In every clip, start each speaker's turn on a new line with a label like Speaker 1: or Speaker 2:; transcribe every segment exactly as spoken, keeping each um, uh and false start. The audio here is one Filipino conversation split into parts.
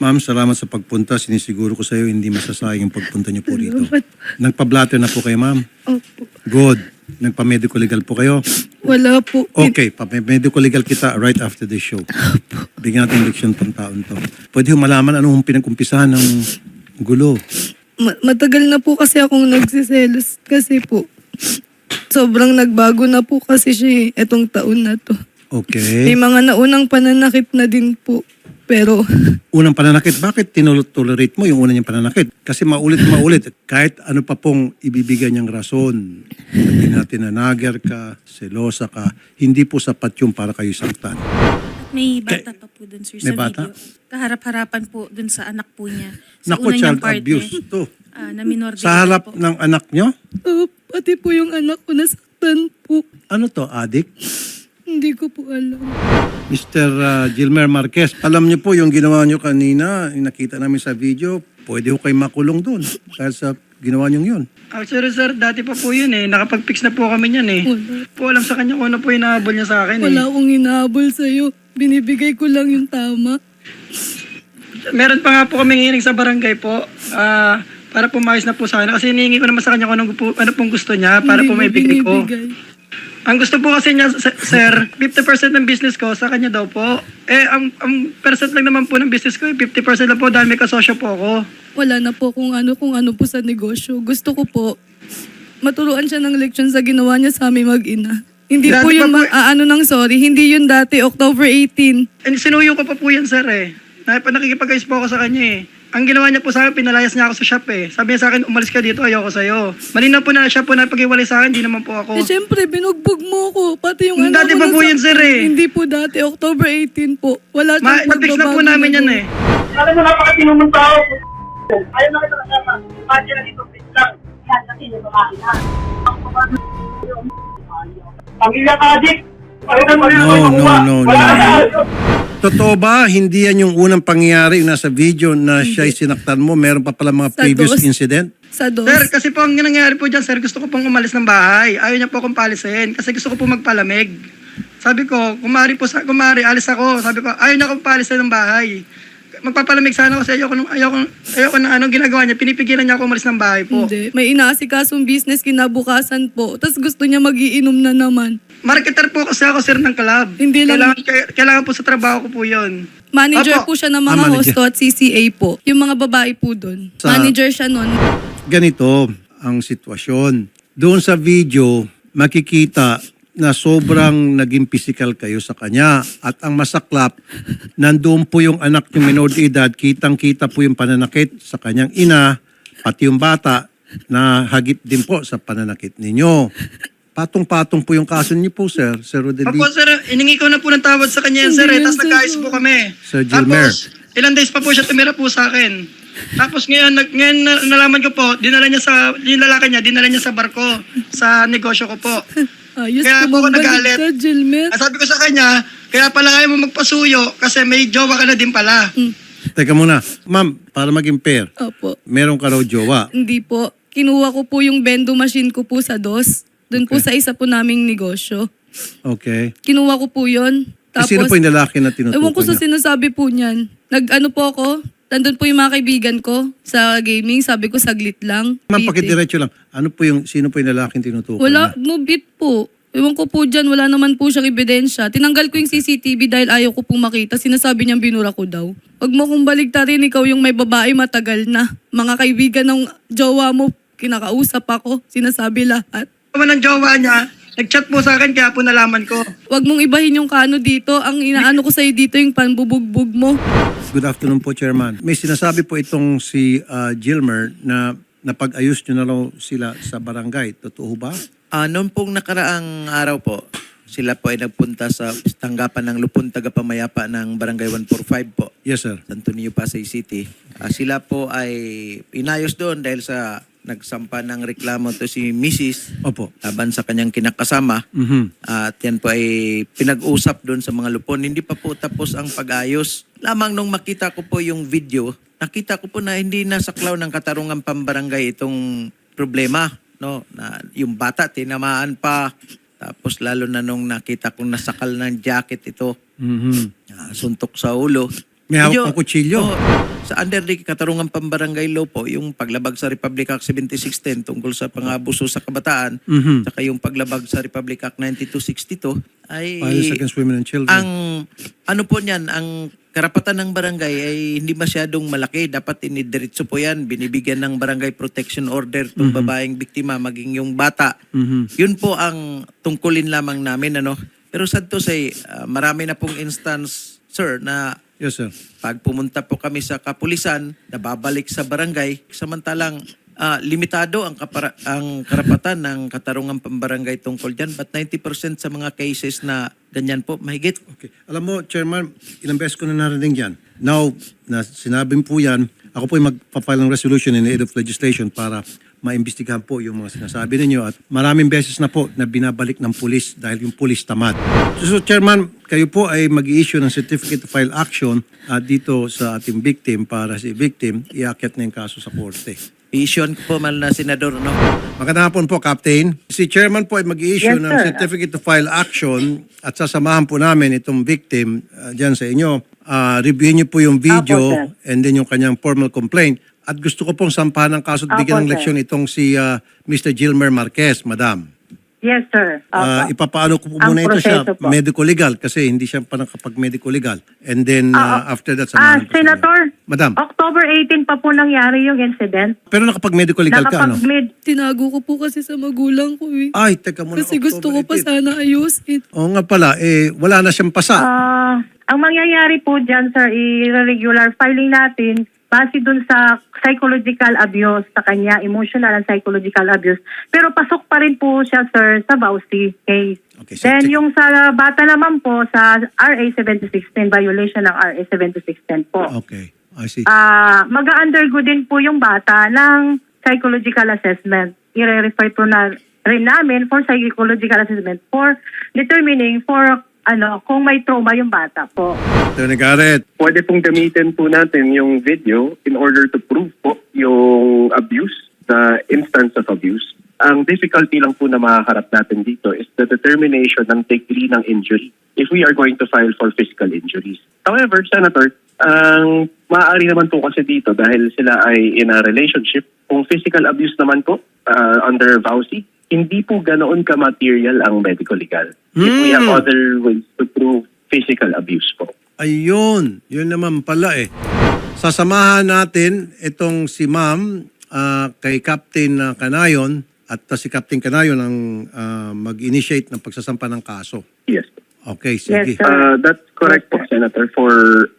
Speaker 1: Ma'am, salamat sa pagpunta. Sinisiguro ko sa iyo hindi masasayang yung pagpunta niyo po rito. Nagpa-blatter na po kayo, ma'am?
Speaker 2: Opo.
Speaker 1: Good. Nagpa-medical legal po kayo?
Speaker 2: Wala po.
Speaker 1: Okay, pa-medical legal kita right after the show. Bigyan natin leksyon tong taon to. Pwede yung malaman anong pinagkumpisahan ng gulo.
Speaker 2: Ma- matagal na po kasi akong nagsiselos kasi po. Sobrang nagbago na po kasi siya eh, etong taon na to.
Speaker 1: Okay.
Speaker 2: May mga naunang pananakit na din po. Pero
Speaker 1: Unang pananakit, bakit tinolerate mo yung una niyang pananakit? Kasi maulit maulit, kahit ano pa pong ibibigay niyang rason. Sabihin natin na nager ka, selosa ka, hindi po sapat yung para kayo saktan.
Speaker 3: May bata pa po dun, sir,
Speaker 1: May
Speaker 3: sa
Speaker 1: bata?
Speaker 3: video. Kaharap-harapan po dun sa anak po niya. Sa
Speaker 1: Naku,
Speaker 3: una
Speaker 1: child
Speaker 3: niyang partner,
Speaker 1: abuse to.
Speaker 3: ah, na minor de
Speaker 1: Sa
Speaker 3: edad
Speaker 1: harap
Speaker 3: po.
Speaker 1: ng anak niyo?
Speaker 2: uh, pati po yung anak ko nasaktan po.
Speaker 1: Ano to, adik?
Speaker 2: Hindi ko po alam.
Speaker 1: Mister uh, Gilmer Marquez, alam niyo po yung ginawa niyo kanina, yung nakita namin sa video, pwede ko kayo makulong doon dahil sa ginawa niyo yun.
Speaker 4: Actually, sir, dati pa po yun eh. Nakapag-fix na po kami niyan eh.
Speaker 2: Wala.
Speaker 4: Po alam sa kanya kung ano po yung nahabol niya sa akin eh.
Speaker 2: Wala akong hinahabol sa'yo. Binibigay ko lang yung tama.
Speaker 4: Meron pa nga po kami hiring sa barangay po. Ah, para pumayos na po sa akin. Kasi hinihingi ko naman sa kanya kung ano, po, ano pong gusto niya para
Speaker 2: Hindi
Speaker 4: po
Speaker 2: mo
Speaker 4: may bigay ko.
Speaker 2: binibigay.
Speaker 4: Ang gusto po kasi niya, s- sir, fifty percent ng business ko sa kanya daw po. Eh, ang, ang percent lang naman po ng business ko, eh, fifty percent lang po dahil may kasosyo po ako.
Speaker 2: Wala na po kung ano kung ano po sa negosyo. Gusto ko po maturuan siya ng leksyon sa ginawa niya sa aming mag-ina. Hindi
Speaker 4: Dati
Speaker 2: po yun
Speaker 4: pa po-
Speaker 2: ma- ah, ano ng sorry. Hindi yun dati, October eighteenth.
Speaker 4: And sinuyo ko pa po yan, sir eh. Na, nakikipag-ayos po ako sa kanya eh. Ang ginawa niya po sa akin, pinalayas niya ako sa shop eh. Sabi niya sa akin, umalis ka dito, ayoko sa'yo. Malinaw po na siya po na pag-iwalay sa akin, hindi naman po ako.
Speaker 2: Eh, syempre, binugbog mo ko. Pati yung
Speaker 4: Hmm,
Speaker 2: anak
Speaker 4: dati
Speaker 2: ko
Speaker 4: pa po yun,
Speaker 2: nasaktan.
Speaker 4: sir, eh.
Speaker 2: Hindi po dati, October eighteenth po. Wala
Speaker 4: Ma,
Speaker 2: siyang
Speaker 4: na-fix na po
Speaker 2: pagbabago
Speaker 4: namin yan
Speaker 2: nagawa.
Speaker 4: eh.
Speaker 5: Alam mo, napakatino mong tao. Ayaw na kita kasama. Imagine na dito, please lang. Yan, kasi yung babae na. Pamilya ka, Dick.
Speaker 1: No, no, no, no. Totoo ba, hindi yan yung unang pangyayari yung nasa video na siya'y sinaktan mo? Meron pa pala mga
Speaker 2: Sa
Speaker 1: previous
Speaker 2: dos.
Speaker 1: incident?
Speaker 2: Sa dos.
Speaker 4: Sir, kasi po ang nangyari po dyan, sir, gusto ko pong umalis ng bahay. Ayaw niya po akong palisin kasi gusto ko po magpalamig. Sabi ko, kumari po, sa, kumari, alis ako. Sabi ko, ayaw niya akong palisin ng bahay. Magpapalamig sana ako kasi ayoko, nung- ayoko, ayoko na anong ginagawa niya. Pinipigilan niya ako umalis ng bahay po.
Speaker 2: Hindi. May inaasikasong business kinabukasan po. Tapos gusto niya magiinom na naman.
Speaker 4: Marketer po kasi ako, sir, ng club.
Speaker 2: Hindi lang-
Speaker 4: Kailangan, kaya- kailangan po sa trabaho ko po yun.
Speaker 2: Manager
Speaker 4: Opo.
Speaker 2: po siya ng
Speaker 1: Ah,
Speaker 2: mga
Speaker 1: manager.
Speaker 2: hosto at C C A po. Yung mga babae po doon.
Speaker 1: Sa-
Speaker 2: Manager siya nun.
Speaker 1: Ganito ang sitwasyon. Doon sa video, makikita na sobrang naging physical kayo sa kanya. At ang masaklap, nandoon po yung anak yung minor de edad, kitang-kita po yung pananakit sa kanyang ina, pati yung bata na hagip din po sa pananakit ninyo. Patong-patong po yung kaso niyo po, sir. Sir Rodelio.
Speaker 4: Opo, sir, iningi ko na po ng tawad sa kanya yan, sir.
Speaker 2: Hindi
Speaker 4: Eh.
Speaker 2: yan,
Speaker 4: Tapos
Speaker 2: sir.
Speaker 4: nag-ayos po kami.
Speaker 1: Sir Gilmer.
Speaker 4: Tapos, ilang days pa po siya tumira po sa akin. Tapos ngayon, nag, ngayon na, nalaman ko po, dinala niya sa, yung lalaki niya, dinala niya sa barko, sa negosyo ko po.
Speaker 2: Ayos
Speaker 4: Kaya po ako
Speaker 2: tumambalik
Speaker 4: nagalit.
Speaker 2: ka, Gilmer.
Speaker 4: Ah, sabi ko sa kanya, kaya pala ayaw mo magpasuyo kasi may jowa ka na din pala.
Speaker 1: Teka muna. Ma'am, para maging fair,
Speaker 2: Opo.
Speaker 1: meron ka raw jowa.
Speaker 2: Hindi po. Kinuha ko po yung bendo machine ko po sa dos. Doon po sa isa po naming negosyo.
Speaker 1: Okay.
Speaker 2: Kinuha ko po yun.
Speaker 1: Eh, sino po yung lalaki na tinutukoy
Speaker 2: Ewan ko sa
Speaker 1: niya?
Speaker 2: sinasabi po niyan. Nag-ano po ako, nandun po yung mga kaibigan ko sa gaming. Sabi ko, saglit lang.
Speaker 1: Ma'am,
Speaker 2: Bitin.
Speaker 1: pakidiretso lang. Ano po yung, sino po yung lalaking tinutukoy
Speaker 2: Wala,
Speaker 1: niya?
Speaker 2: no bit po. Ewan ko po dyan, wala naman po siyang ebidensya. Tinanggal ko yung C C T V dahil ayaw ko pong makita. Sinasabi niyang binura ko daw. Huwag mo kong baligtarin, ikaw yung may babae matagal na. Mga kaibigan ng jowa mo, kinakausap ako. Sinasabi lahat.
Speaker 4: Naman ng jowa niya, nag-chat po sa akin kaya po nalaman ko.
Speaker 2: Huwag mong ibahin yung kano dito. Ang inaano ko sa'yo dito yung panbubugbog mo.
Speaker 1: Good afternoon po, Chairman. May sinasabi po itong si uh, Gilmer na napag-ayos nyo na raw sila sa barangay. Totoo ba?
Speaker 6: Ah, noon pong nakaraang araw po, sila po ay nagpunta sa tanggapan ng Lupon Tagapamayapa ng Barangay one forty-five po,
Speaker 1: Yes, sir.
Speaker 6: Santo Niño, Pasay City. Ah, sila po ay inayos doon dahil sa nagsampa ng reklamo to si Missus
Speaker 1: Opo.
Speaker 6: laban sa kanyang kinakasama.
Speaker 1: Mhm.
Speaker 6: At yan po ay pinag-usap doon sa mga lupon. Hindi pa po tapos ang pag-ayos. Lamang nung makita ko po yung video, nakita ko po na hindi nasaklaw ng katarungan pambarangay itong problema. No, na yung bata tinamaan pa, tapos lalo na nung nakita kong nasakal ng jacket ito,
Speaker 1: Mhm.
Speaker 6: ah, suntok sa ulo.
Speaker 1: May hawak
Speaker 6: Medyo-
Speaker 1: ng kutsilyo.
Speaker 6: Oo. Sa under the Katarungan Pambarangay Law po, yung paglabag sa Republic Act seventy-six ten tungkol sa pangabuso sa kabataan,
Speaker 1: Mhm.
Speaker 6: saka yung paglabag sa Republic Act ninety-two sixty-two, ay
Speaker 1: Violence against women and children.
Speaker 6: ang ano po niyan, ang karapatan ng barangay ay hindi masyadong malaki. Dapat inidiretso po yan. Binibigyan ng barangay protection order itong babaeng biktima, maging yung bata.
Speaker 1: Mhm.
Speaker 6: Yun po ang tungkulin lamang namin. Ano? Pero sad to say, ah, marami na pong instance, sir, na
Speaker 1: Yes, sir.
Speaker 6: pag pumunta po kami sa kapulisan, nababalik sa barangay, samantalang ah, limitado ang, kapara- ang karapatan ng Katarungan Pambarangay tungkol dyan. But ninety percent sa mga cases na ganyan po, mahigit.
Speaker 1: Okay. Alam mo, Chairman, ilang beses ko na narinig yan. Now, na sinabi po yan, ako po ay magpapile ng resolution in aid of legislation para maimbestigahan po yung mga sinasabi ninyo at maraming beses na po na binabalik ng pulis dahil yung pulis tamad. So, so Chairman, kayo po ay mag-i-issue ng certificate to file action at dito sa ating victim para si victim iakyat na yung kaso sa korte.
Speaker 6: I-issuean ko po mal na senador, no?
Speaker 1: Magandang hapon po, Captain. Si Chairman po ay mag-i-issue
Speaker 7: Yes,
Speaker 1: ng
Speaker 7: sir.
Speaker 1: certificate to file action at sasamahan po namin itong victim uh, dyan sa inyo. Uh, reviewin niyo po yung video
Speaker 7: Apo, sir.
Speaker 1: and then yung kanyang formal complaint. At gusto ko pong sampahan ng kaso at
Speaker 7: Apo,
Speaker 1: bigyan ng
Speaker 7: sir.
Speaker 1: leksyon itong si uh, Mister Gilmer Marquez, Madam.
Speaker 7: Yes, sir.
Speaker 1: Uh,
Speaker 7: Opo.
Speaker 1: ipapaano ko po
Speaker 7: Ang
Speaker 1: muna ito siya,
Speaker 7: proseso po.
Speaker 1: medico-legal, kasi hindi siya pa nakapag-medico-legal. And then uh, after that,
Speaker 7: Ah,
Speaker 1: samahan ko siya.
Speaker 7: Senator,
Speaker 1: Madam,
Speaker 7: October eighteenth pa po nangyari yung incident.
Speaker 1: pero nakapag-medico-legal ka, ano?
Speaker 7: Nakapag-mid.
Speaker 2: Tinago ko po kasi sa magulang ko eh.
Speaker 1: Ay, teka muna.
Speaker 2: Kasi gusto ko
Speaker 1: October
Speaker 2: pa
Speaker 1: eighteenth.
Speaker 2: sana ayusin.
Speaker 1: Oo nga pala, eh, wala na siyang pasa.
Speaker 7: Ah, ang mangyayari po dyan, sir, i-regular filing natin base dun sa psychological abuse sa kanya, emotional and psychological abuse. Pero pasok pa rin po siya, sir, sa Bausi case.
Speaker 1: Okay, so
Speaker 7: Then
Speaker 1: check-
Speaker 7: yung sa bata naman po sa R A seventy-six ten, violation ng R A seventy-six ten po.
Speaker 1: Okay, I see.
Speaker 7: Ah, mag-undergo din po yung bata ng psychological assessment. I-refer po na rin namin for psychological assessment for determining for ano kung may trauma yung bata po.
Speaker 1: Attorney Garrett,
Speaker 8: Pwede pong gamitin po natin yung video in order to prove po yung abuse, the instance of abuse. Ang difficulty lang po na makaharap natin dito is the determination ng degree ng injury if we are going to file for physical injuries. However, Senator, ang maaari naman po kasi dito dahil sila ay in a relationship, kung physical abuse naman po uh, under V A U C I, hindi po ganoon ka-material ang medical legal. If we have other ways to prove physical abuse po.
Speaker 1: ayun, yun naman pala eh. Sasamahan natin itong si ma'am ah, kay Captain ah, Canayon at ah, si Captain Canayon ang ah, mag-initiate ng pagsasampa ng kaso.
Speaker 8: Yes.
Speaker 1: Okay, sige.
Speaker 7: Yes, sir.
Speaker 8: Uh, that's correct po, Senator, for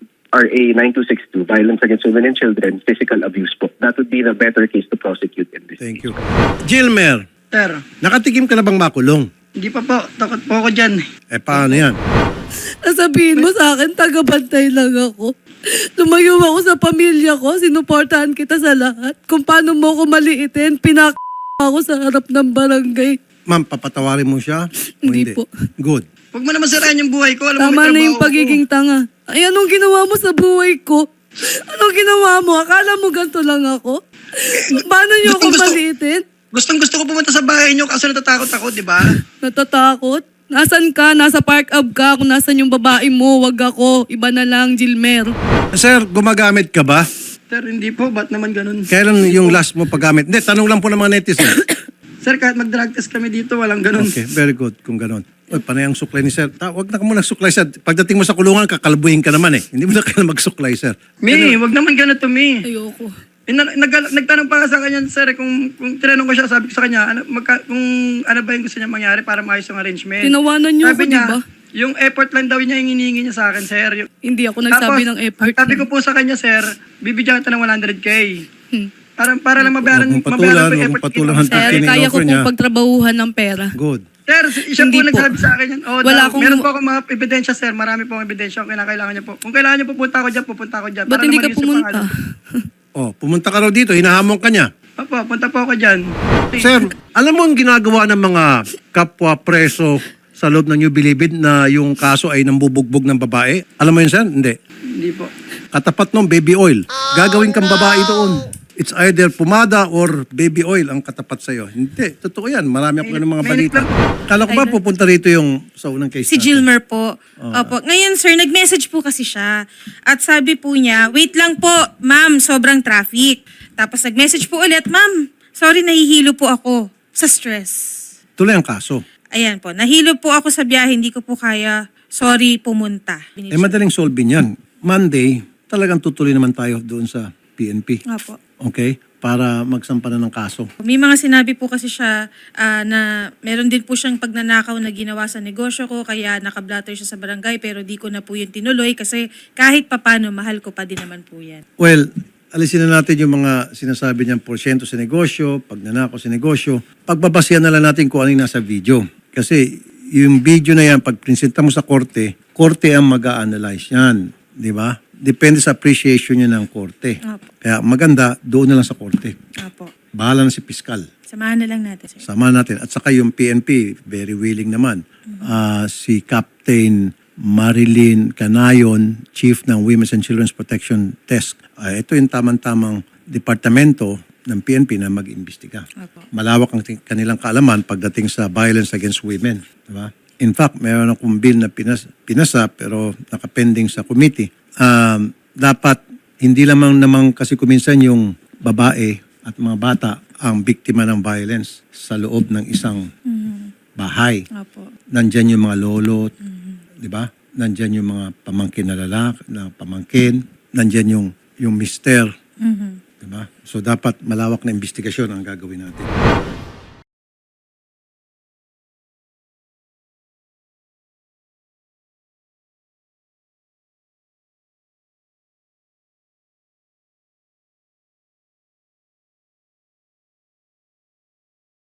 Speaker 8: R A ninety-two sixty-two, Violence Against Women and Children, Physical Abuse po. That would be the better case to prosecute in this
Speaker 1: Thank
Speaker 8: case.
Speaker 1: you. Gilmer,
Speaker 4: Sir,
Speaker 1: nakatikim ka na bang makulong?
Speaker 4: hindi pa po. Takot po ako dyan.
Speaker 1: Eh, paano yan?
Speaker 2: Nasabihin mo sa akin, tagabantay lang ako. Lumayo ako sa pamilya ko, sinuportahan kita sa lahat. Kung paano mo ako maliitin, pinak ako sa harap ng barangay.
Speaker 1: Ma'am, papatawarin mo siya? O
Speaker 2: Hindi po.
Speaker 1: Good.
Speaker 4: Huwag mo naman sirain yung buhay ko. Alam mo,
Speaker 2: Tama
Speaker 4: may
Speaker 2: na yung
Speaker 4: trabaho
Speaker 2: pagiging tanga. Ay, anong ginawa mo sa buhay ko? Anong ginawa mo? Akala mo ganito lang ako? Paano niyo ako
Speaker 4: Gustong gusto-
Speaker 2: maliitin?
Speaker 4: Gustong gusto ko pumunta sa bahay niyo kaso natatakot ako, di ba?
Speaker 2: Natatakot? Nasaan ka? Nasa park up ka. Kung nasan yung babae mo, wag ako. Iba na lang, Gilmer.
Speaker 1: Sir, gumagamit ka ba?
Speaker 4: Sir, hindi po. Ba't naman ganun?
Speaker 1: Kailan yung last mo paggamit? Hindi, tanong lang po ng mga netizen.
Speaker 4: Sir, kahit mag-drug test kami dito, walang ganun.
Speaker 1: Okay, very good kung ganon. Uy, panay ang suklay ni sir. Ta, wag na ka muna suklay, sir. Pagdating mo sa kulungan, kakalbuhin ka naman eh. Hindi mo na kailangan magsuklay, sir.
Speaker 4: Mi, wag naman ganun to, Mi.
Speaker 2: Ayoko.
Speaker 4: Eh, na- nag- nagtanong pa nga sa kanya, sir, eh, kung, kung tinanong ko siya, sabi ko sa kanya, ano, magka, kung ano ba yung gusto niya mangyari para maayos yung arrangement.
Speaker 2: Tinawanan niyo
Speaker 4: Sabi
Speaker 2: ako,
Speaker 4: niya,
Speaker 2: di ba?
Speaker 4: yung effort lang daw niya yung hinihingi niya sa akin, sir. Yung,
Speaker 2: Hindi ako nagsabi
Speaker 4: Tapos,
Speaker 2: ng effort.
Speaker 4: Sabi ko po sa kanya, sir, bibigyan kita ng one hundred K.
Speaker 2: Hmm.
Speaker 4: Para, para lang mabayaran,
Speaker 1: Huwag mong patulan,
Speaker 4: mabayaran ko
Speaker 1: huwag
Speaker 4: yung
Speaker 1: mong
Speaker 4: effort
Speaker 1: patulan
Speaker 4: ginawa.
Speaker 1: hanggang
Speaker 2: Sir,
Speaker 1: Kini-
Speaker 2: kaya ko
Speaker 1: in-offer niya.
Speaker 2: pong pagtrabahuhan ng pera.
Speaker 1: Good.
Speaker 4: Sir, siya
Speaker 2: Hindi
Speaker 4: po
Speaker 2: po.
Speaker 4: nagsabi sa akin yan. Oh,
Speaker 2: Wala
Speaker 4: daw,
Speaker 2: akong-
Speaker 4: meron po akong mga ebidensya, sir. Marami po akong ebidensya kung kinakailangan niyo po. Kung kailangan niyo pupunta ako dyan, pupunta ako dyan.
Speaker 2: Ba't
Speaker 4: Para
Speaker 2: hindi
Speaker 4: naman
Speaker 2: ka
Speaker 4: yun sa
Speaker 2: pumunta?
Speaker 4: pangalan.
Speaker 1: Oh, pumunta ka raw dito, hinahamon ka niya.
Speaker 4: Opo, punta po ako dyan.
Speaker 1: Sir, alam mo ang ginagawa ng mga kapwa preso sa loob ng New Bilibid na yung kaso ay nambubugbog ng babae? Alam mo yun, sir? Hindi.
Speaker 4: Hindi po.
Speaker 1: Katapat ng baby oil. Gagawin kang babae doon. it's either pumada or baby oil ang katapat sa'yo. Hindi, totoo yan. Marami ako ng mga
Speaker 4: Mainit
Speaker 1: balita.
Speaker 4: lang.
Speaker 1: Kala ko ba pupunta rito yung sa unang case
Speaker 3: Si
Speaker 1: natin?
Speaker 3: Gilmer po. Opo. Ngayon, sir, nag-message po kasi siya. At sabi po niya, wait lang po, ma'am, sobrang traffic. Tapos nag-message po ulit, ma'am, sorry, nahihilo po ako sa stress.
Speaker 1: Tuloy ang kaso.
Speaker 3: Ayan po, nahilo po ako sa biyahe, hindi ko po kaya, sorry, pumunta.
Speaker 1: Eh madaling solve yan. Monday, talagang tutuloy naman tayo doon sa P N P.
Speaker 3: Opo.
Speaker 1: Okay? Para magsampa na ng kaso.
Speaker 3: May mga sinabi po kasi siya ah, na meron din po siyang pagnanakaw na ginawa sa negosyo ko, kaya nakablatter siya sa barangay, pero di ko na po yun tinuloy kasi kahit papano, mahal ko pa din naman po yan.
Speaker 1: Well, alisin na natin yung mga sinasabi niyang porsyento sa negosyo, pagnanakaw sa negosyo. Pagbabasihan na lang natin kung ano yung nasa video. Kasi yung video na yan, pag presenta mo sa korte, korte ang mag-a-analyze yan. Di ba? Depende sa appreciation niya ng korte.
Speaker 3: Opo.
Speaker 1: Kaya maganda, doon na lang sa korte.
Speaker 3: Opo.
Speaker 1: Bahala na si piskal.
Speaker 3: Samahan na lang natin, sir.
Speaker 1: Sama natin. At saka yung P N P, very willing naman. Ah, si Captain Marilyn Canayon, Chief ng Women's and Children's Protection Desk. Ah, ito yung tamang-tamang departamento ng P N P na mag-imbestiga.
Speaker 3: Opo.
Speaker 1: Malawak ang ting- kanilang kaalaman pagdating sa violence against women. Diba? In fact, mayroon akong bill na pinas, pinasa pero nakapending sa committee. Um, dapat hindi lamang naman kasi kuminsan yung babae at mga bata ang biktima ng violence sa loob ng isang bahay.
Speaker 3: Opo.
Speaker 1: Nandyan yung mga lolo, di ba? Nandyan yung mga pamangkin na lalaki, na pamangkin. Nandyan yung, yung mister.
Speaker 3: Mhm.
Speaker 1: Di ba? So dapat malawak na investigasyon ang gagawin natin.